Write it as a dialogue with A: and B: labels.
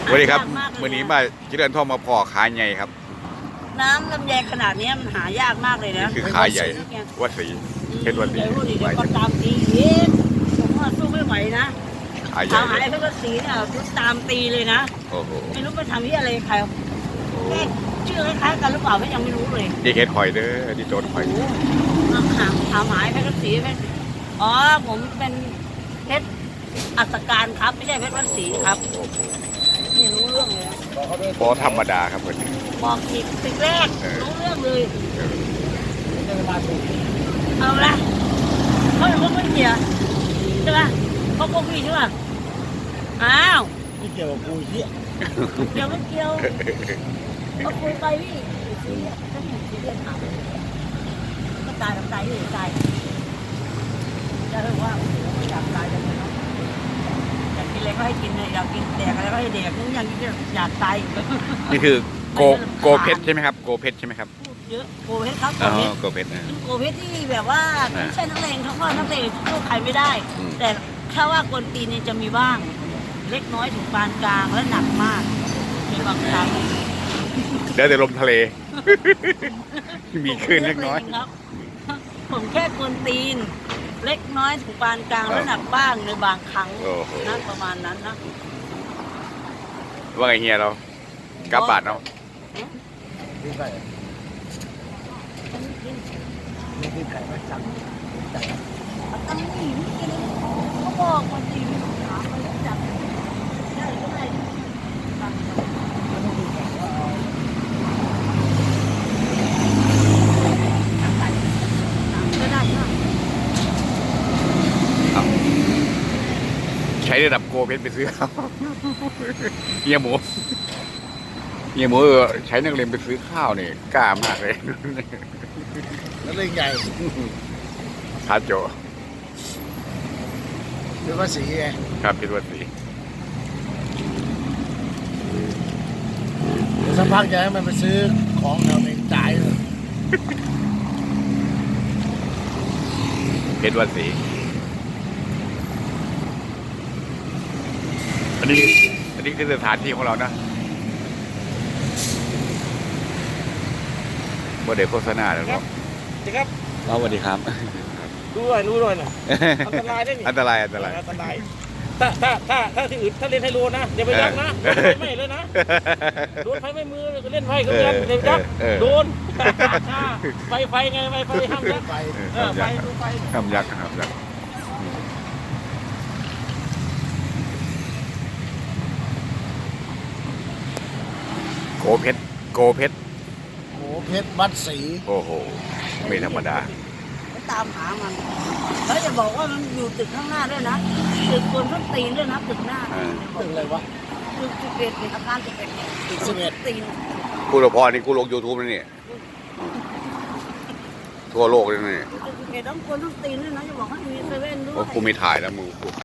A: สวัสดีครับวันนี้มาเจริญทองมาพอขาใหญ่ครับ
B: น้ำลำไยขนาดนี้มันหายากมากเลยนะ
A: นี่คือขาใหญ่วัดศรีเพชรวัดศรี
B: เดี๋ยวก็ตามตีอีกผมว่าสู้ไม่ไหวนะ
A: ขาใหญ่
B: ขาหายเพชรวัดศรีเนี่ยตามตีเลยนะ
A: โอ้โห
B: ไม่รู้ไปทำที่อะไรใครแค่ชื่อคล้ายๆกันหรือเปล่าก็ยังไม่รู้เลย
A: นี่เห็ดหอยเด้อที่โจนหอย
B: ขาหายเพชรวัดศรีเพชรอ๋อผมเป็นเพชรอัศการครับไม่ใช่เพชรวัดศรีครับไม่รู้เรื่องเลย
A: พอธรรมดาครับวันนี้
B: บอกสิ่งแรกรู้เรื่องเลยเอาละเขาเป็นพวกไม่เกี่ยวใช่ป่ะเขาพวกพี่ใช่ป่ะอ้าว
C: ไม่เกี่ยวกับกูเหี้ย
B: เกี่ยวไม่เกี่ยวเขาคุยไปพี่ซีเรียสถ้าผมซีเรียสถามก็ตายทำตายที่ตายจะเรียกว่าไม่อยากตายจังเลยเนาะอยากกินอะไรก็ให้กินเลยอยากกินแดกอะไรก็ให้แดกนึกอย่างนี้อยากตาย
A: นี่คือโกเพชรใช่ไหมครับโกเพชรใช่ไหมครับ
B: เยอะโกเพชรครับ
A: โกเพชรนะ
B: โกเพชรที่แบบว่าไม่ใช่นักเลงเขาก็นักเลงสู้ใครไม่ได้แต่ถ้าว่ากวนตีนนี่จะมีบ้างเล็กน้อยถึงปานกลางและหนักมากในบางครั้ง
A: เดี๋ยวแต่ลมทะเลมีคลื่นเล็กน้อย
B: ครับผมแค่กวนตีนเล็กน้อยถึงปานกลางและหนักบ้างในบางครั้งนะประมาณนั้นนะ
A: ว่าไงเฮียเรากลับบาทเนาะ
C: นี่ไก่นี่ไก่มาจังไก่
B: ตั้งนี่เขาบอกคนจีนถามมาแล้วจับได้ก็ได้ก็ได้
A: ใช้ระดับโกเพชรไปซื้อข้าวเฮียหมูใช้นักเรียนไปซื้อข้าวนี่กล้ามากเลย
C: แล้วเรื่องใหญ่
A: ทาโจ
C: เป็นภาษีไง
A: ครับเป็นภาษี
C: สักพักจะให้มันไปซื้อของแถวเองจ่ายเลย
A: เป็นภาษีอันนี้คือสถานที่ของเรานะโมเดลโฆษณาแล้วครับ
C: สวัสดีครับ
A: สวัสดีครับ
C: รู้ด้วยนะอันตรายได้นี่
A: อันตราย
C: ถ้าที่อื่นถ้าเล่นไฮโลนะอย่าไปยักนะไม่เลยนะโดนไฟไม่มือเล่นไฟก็ยักเดี๋ยวยักโดนไฟไงไฟห้ามยักไฟดูไฟ
A: ห้ามยักโกเพชร
C: โเพชรวัดศรี
A: โอ้โหไม่ธรรมดา
B: ตามหามันแล้วจะบอกว่ามันอยู่ตึกข้างหน้าด้วยนะตึกคนต้นตีนด้วยนะตึกหน้า
C: ตึกอะไรวะ
B: ตึก11อาคาร11เนี่ย
C: ตึก11
B: ตีน
A: กูรพรนี่กูลง YouTube แล้วนี่ทั่วโลกเลยนี่
B: ตึก11ต้องคนต้นตีนด้วยนะจะบอกว่ามีเซเว่นด้วย
A: กูมีถ่ายแล้วมึง